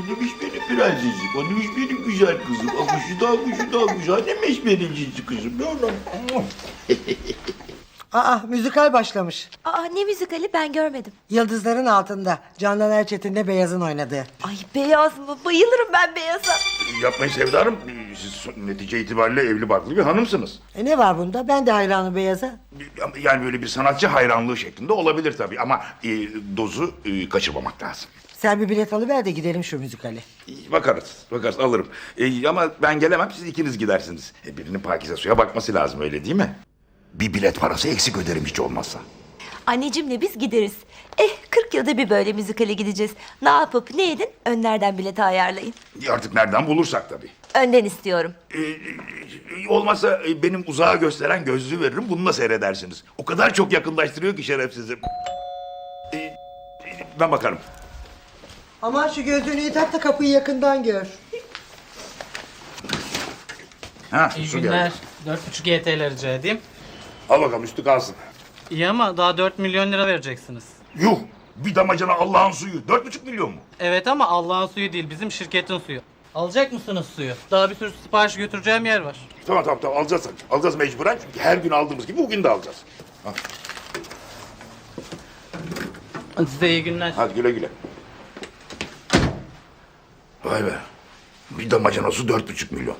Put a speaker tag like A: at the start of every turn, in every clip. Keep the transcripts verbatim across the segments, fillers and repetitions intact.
A: Annemiş benim prensesim, annemiş benim güzel kızım. Akışı da akışı da akışı, annemiş benim cici kızım. Ne olur.
B: Aa, müzikal başlamış.
C: Aa, ne müzikali ben görmedim.
B: Yıldızların Altında. Candan Erçetin'le Beyaz'ın oynadığı.
C: Ay beyaz mı? Bayılırım ben beyaza.
A: Yapmayın Sevda Hanım, siz netice itibariyle evli barklı bir hanımsınız.
B: E ne var bunda? Ben de hayranım Beyaz'a.
A: Yani böyle bir sanatçı hayranlığı şeklinde olabilir tabii ama e, dozu e, kaçırmamak lazım.
B: Sen bir bilet alıver de gidelim şu müzikale.
A: E, Bakarız, bakarız alırım. E, ama ben gelemem, siz ikiniz gidersiniz. E, birinin Pakize Su'ya bakması lazım, öyle değil mi? Bir bilet parası eksik öderim hiç olmazsa.
C: Anneciğimle biz gideriz. Eh kırk yılda bir böyle müzikale gideceğiz. Ne yapıp ne edin? Önlerden bileti ayarlayın.
A: E, Artık nereden bulursak tabii.
C: Önden istiyorum.
A: E, e, olmazsa e, benim uzağa gösteren gözlüğü veririm, bununla seyredersiniz. O kadar çok yakınlaştırıyor ki şerefsizim. E, e, ben bakarım.
B: Aman şu gözlüğünü iyi tak da kapıyı yakından gör.
A: Ha,
D: İyi
A: su
D: günler.
A: geldi.
D: dört buçuk Y T L rica edeyim.
A: Al bakalım, üstü kalsın.
D: İyi ama daha dört milyon lira vereceksiniz.
A: Yuh! Bir damacana Allah'ın suyu. Dört buçuk milyon mu?
D: Evet ama Allah'ın suyu değil, bizim şirketin suyu. Alacak mısınız suyu? Daha bir sürü sipariş götüreceğim yer var.
A: Tamam tamam tamam alacağız. Alacağız mecburen çünkü her gün aldığımız gibi bugün de alacağız. Ha,
D: Size iyi günler.
A: hadi güle güle. Vay be. Bir damacana su dört buçuk milyon.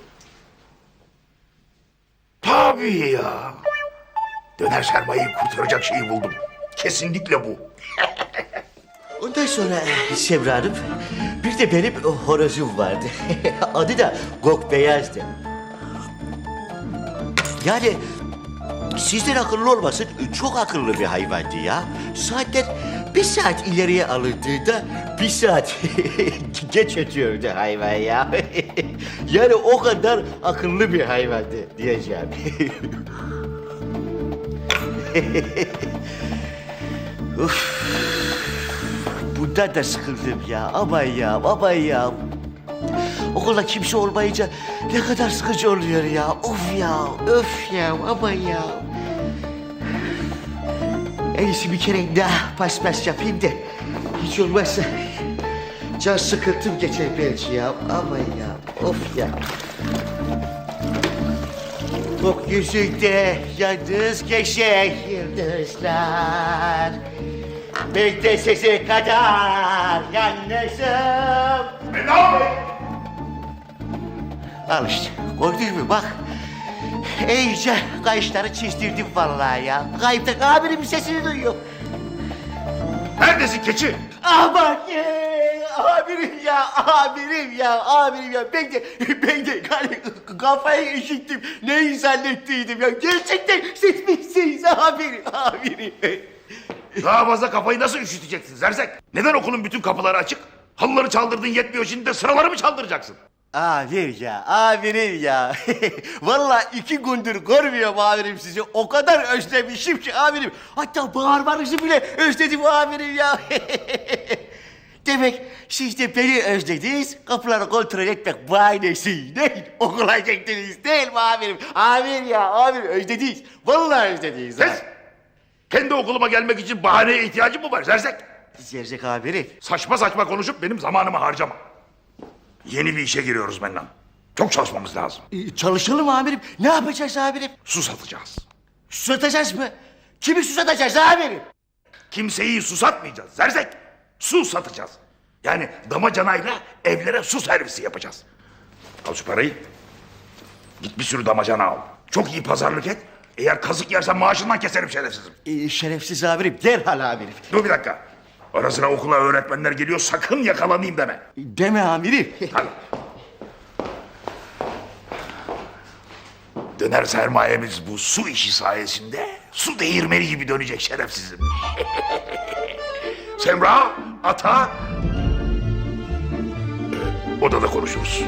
A: Tabii ya. Döner sermayeyi kurtaracak şeyi buldum. Kesinlikle bu.
E: Ondan sonra Semra Hanım, bir de benim horozum vardı. Adı da Gok Beyaz'dı. Yani sizden akıllı olmasın, çok akıllı bir hayvandı ya. Saatler bir saat ileriye alındığında bir saat geç ötüyordu hayvan ya. Yani o kadar akıllı bir hayvandı diyeceğim. Uf. Bundan da sıkıldım ya. Aman ya, aman ya. Okulda kimse olmayınca ne kadar sıkıcı oluyor ya. Of ya, öf ya, aman ya. En iyisi bir kere daha paspas yapayım da hiç olmazsa can sıkıntım geçer belki ya. Aman ya, of ya. Gökyüzünde yalnız geçen yıldızlar. Ben de size kadar yalnızım. Al işte, gördün mü bak. İyice kayışları çizdirdim vallahi ya. Kayıpta abinin sesini duyuyor.
A: Neredesin keçi?
E: Aman ye, amirim ya, amirim ya, amirim ya. Ben de, ben de yani kafayı üşüttüm. Neyi zannettiydim ya. Gerçekten siz misiniz amirim, amirim.
A: Daha fazla kafayı nasıl üşüteceksin Zerzek? Neden okulun bütün kapıları açık? Halıları çaldırdın yetmiyor, şimdi de sıraları mı çaldıracaksın?
E: Amir ya, amirim ya. Vallahi iki gündür görmüyorum amirim sizi. O kadar özlemişim ki amirim. Hatta bağırmanızı bile özledim amirim ya. Demek siz de beni özlediniz. Kapıları kontrol etmek bahanesiyle okula gittiniz değil mi amirim? Amir ya, amir özlediniz. Vallahi özlediniz.
A: Ses! Kendi okuluma gelmek için bahaneye ihtiyacım mı var Zerzek?
E: Zerzek amirim.
A: Saçma saçma konuşup benim zamanımı harcama. Yeni bir işe giriyoruz Mennan. Çok çalışmamız lazım.
E: Ee, çalışalım amirim. Ne yapacağız amirim?
A: Su satacağız.
E: Susatacağız mı? Kimi susatacağız amirim?
A: Kimseyi susatmayacağız Zerzek. Su satacağız. Yani damacanayla evlere su servisi yapacağız. Al şu parayı. Git bir sürü damacana al. Çok iyi pazarlık et. Eğer kazık yersen maaşından keserim şerefsizim.
E: Ee, şerefsiz amirim. Derhal amirim.
A: Dur bir dakika. Ara sıra okula öğretmenler geliyor, sakın yakalanayım deme.
E: Deme amirim.
A: Hadi. Döner sermayemiz bu su işi sayesinde su değirmeni gibi dönecek şerefsizim. Semra, ata. Ee, odada konuşuruz.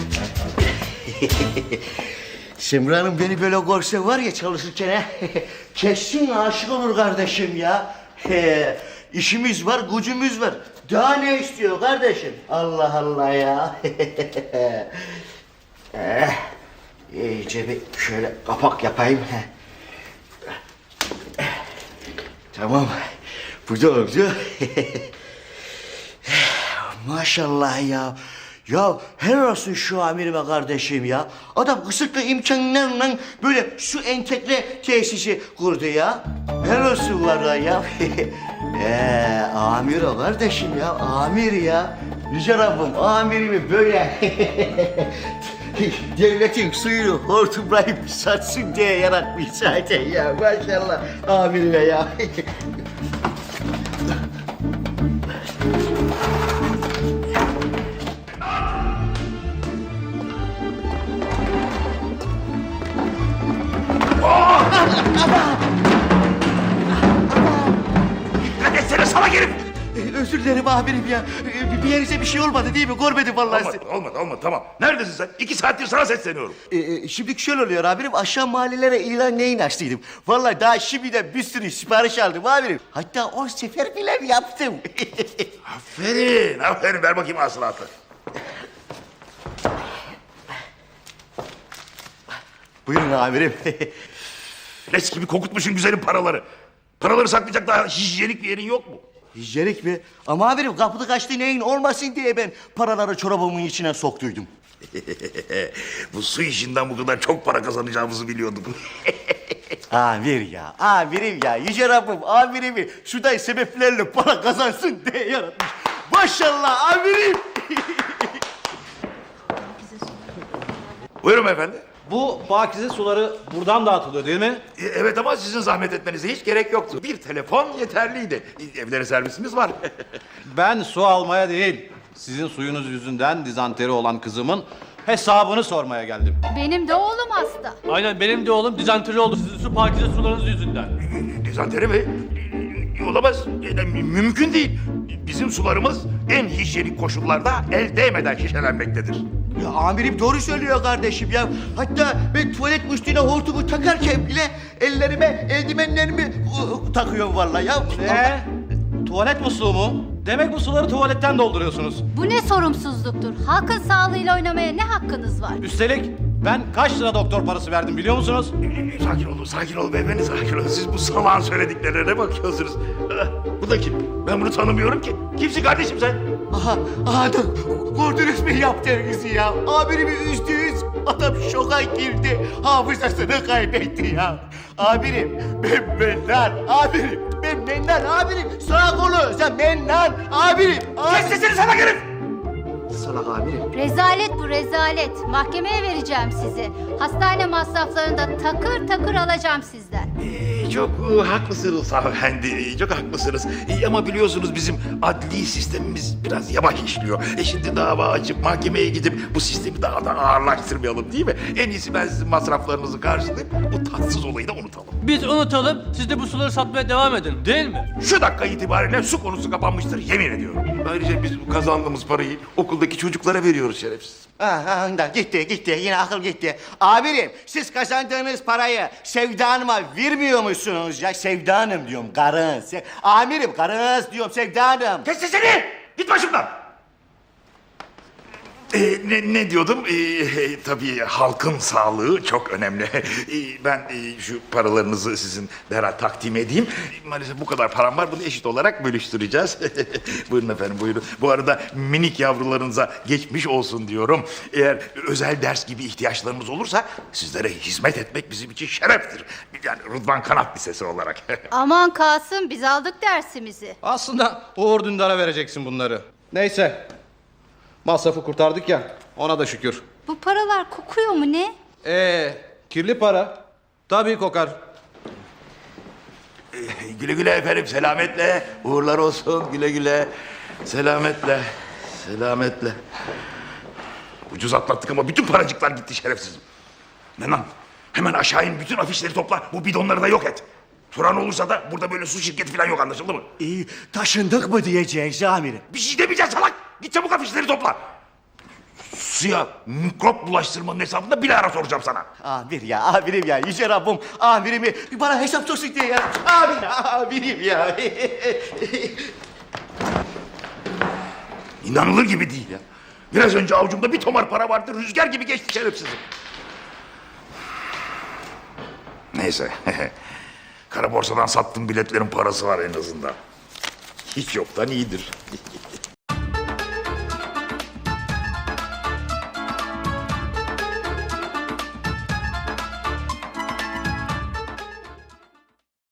E: Semra Hanım beni böyle görse var ya çalışırken ha, kesin aşık olur kardeşim ya. He, işimiz var, gücümüz var. Daha ne istiyor kardeşim? Allah Allah ya. eh, iyice bir şöyle kapak yapayım. Tamam. Bu da oldu. Maşallah ya. Ya helal olsun şu amirime kardeşim ya. Adam kısıtlı imkanlarla böyle su entegre tesisi kurdu ya. Helal olsun vallahi ya. Eee amir o kardeşim ya. Amir ya. Yüce Rabbim amirimi böyle devletin suyunu hortumlayıp satsın diye yaratmış zaten ya. Maşallah amirime ya.
A: Dikkat etsene salak herif.
E: Ee, Özür dilerim amirim ya. Ee, Bir yerinize bir şey olmadı değil mi? Görmedim vallahi sizi.
A: Olmadı, olmadı, olmadı. Tamam. Neredesin sen? İki saattir sana sesleniyorum.
E: Ee, şimdi şöyle oluyor amirim. Aşağı mahallelere ilan neyin açtıydım. Vallahi daha şimdiden bir sürü sipariş aldım amirim. Hatta on sefer bile yaptım.
A: Aferin, aferin. Ver bakayım hasılatı.
E: Buyurun amirim.
A: Leş gibi kokutmuşsun güzelim paraları. Paraları saklayacak daha hijyenik bir yerin yok mu?
E: Hijyenik mi? Ama amirim kapıda kaçtı neyin olmasın diye ben paraları çorabımın içine soktuydum.
A: Bu su işinden bu kadar çok para kazanacağımızı biliyorduk.
E: Amir ya, amirim ya. Yüce Rabbim amirimi şuday sebeplerle para kazansın diye yaratmış. Maşallah amirim.
A: Buyurun efendi.
F: Bu pakize suları buradan dağıtılıyor değil mi?
A: E, Evet ama sizin zahmet etmenize hiç gerek yoktu. Bir telefon yeterliydi. E, Evlere servisimiz var.
F: Ben su almaya değil, sizin suyunuz yüzünden dizanteri olan kızımın hesabını sormaya geldim.
G: Benim de oğlum hasta.
D: Aynen benim de oğlum dizanteri oldu sizin su pakize sularınız yüzünden.
A: Dizanteri mi? E, Olamaz. E, mü- Mümkün değil. Bizim sularımız en hijyenik koşullarda el değmeden şişelenmektedir.
E: Ya amirim doğru söylüyor kardeşim ya. Hatta ben tuvalet musluğuna hortumu takarken bile ellerime eldivenlerimi ı, takıyorum vallahi ya.
F: Ne? Tuvalet musluğu mu? Demek bu suları tuvaletten dolduruyorsunuz.
G: Bu ne sorumsuzluktur? Halkın sağlığıyla oynamaya ne hakkınız var?
F: Üstelik ben kaç lira doktor parası verdim biliyor musunuz?
A: E, Sakin olun, sakin olun beyefendi, sakin olun. Siz bu salağın söylediklerine bakıyorsunuz. Ah, Bu da kim? Ben bunu tanımıyorum ki. Kimsin kardeşim sen?
E: Aha, aha da gördünüz mü yaptığınızı ya? Amirimi üzdünüz. Adam şoka girdi. Hafızasını kaybetti ya. Amirim ben mennan. Amirim ben mennan. Amirim sağ kolu sen mennan. Amirim.
A: Kes
E: amirim.
A: sesini salak herif!
E: Salak amirim.
G: Rezalet bu rezalet. Mahkemeye vereceğim sizi. Hastane masraflarını da takır takır alacağım sizden.
A: Ee, Çok e, haklısınız hanımefendi, e, çok haklısınız. E, Ama biliyorsunuz bizim adli sistemimiz biraz yavaş işliyor. E şimdi dava açıp mahkemeye gidip bu sistemi daha da ağırlaştırmayalım değil mi? En iyisi ben sizin masraflarınızı karşılayıp bu tatsız olayı da unutalım.
D: Biz unutalım siz de bu suları satmaya devam edin değil mi?
A: Şu dakika itibariyle su konusu kapanmıştır yemin ediyorum. Ayrıca biz bu kazandığımız parayı okuldaki çocuklara veriyoruz şerefsiz.
E: Aha, da gitti gitti yine akıl gitti. Amirim siz kazandığınız parayı Sevda Hanım'a vermiyor musunuz ya? Sevda Hanım diyorum karın. Se- Amirim karınız diyorum Sevda Hanım.
A: Kes sesini! Git başımdan! Ee, ne, ne diyordum? Ee, tabii halkın sağlığı çok önemli. Ee, ben e, şu paralarınızı sizin derhal takdim edeyim. Maalesef bu kadar param var. Bunu eşit olarak bölüştüreceğiz. Buyurun efendim buyurun. Bu arada minik yavrularınıza geçmiş olsun diyorum. Eğer özel ders gibi ihtiyaçlarınız olursa sizlere hizmet etmek bizim için şereftir. Yani Rıdvan Kanat Lisesi olarak.
G: Aman Kasım biz aldık dersimizi.
F: Aslında Uğur Dündar'a vereceksin bunları. Neyse. Masrafı kurtardık ya, ona da şükür.
G: Bu paralar kokuyor mu ne?
F: Ee, kirli para. Tabii kokar.
A: Güle güle efendim, selametle. Uğurlar olsun, güle güle. Selametle, selametle. Ucuz atlattık ama bütün paracıklar gitti şerefsizim. Nenan, hemen aşağı in, bütün afişleri topla. Bu bidonları da yok et. Soran olursa da burada böyle su şirketi falan yok, anlaşıldı mı?
E: İyi taşındık mı diyeceğiz amirim.
A: Bir şey demeyeceğiz salak. Git çabuk afişleri topla. suya mikrop bulaştırmanın hesabını bir ara soracağım sana.
E: Amir ya, amirim ya. Yüce Rabbim amirimi bana hesap sorsun diye ya. Amir, amirim ya.
A: İnanılır gibi değil ya. Biraz önce avucumda bir tomar para vardı, rüzgar gibi geçti şerefsizim. Neyse, kara borsadan sattığım biletlerin parası var en azından. Hiç yoktan iyidir.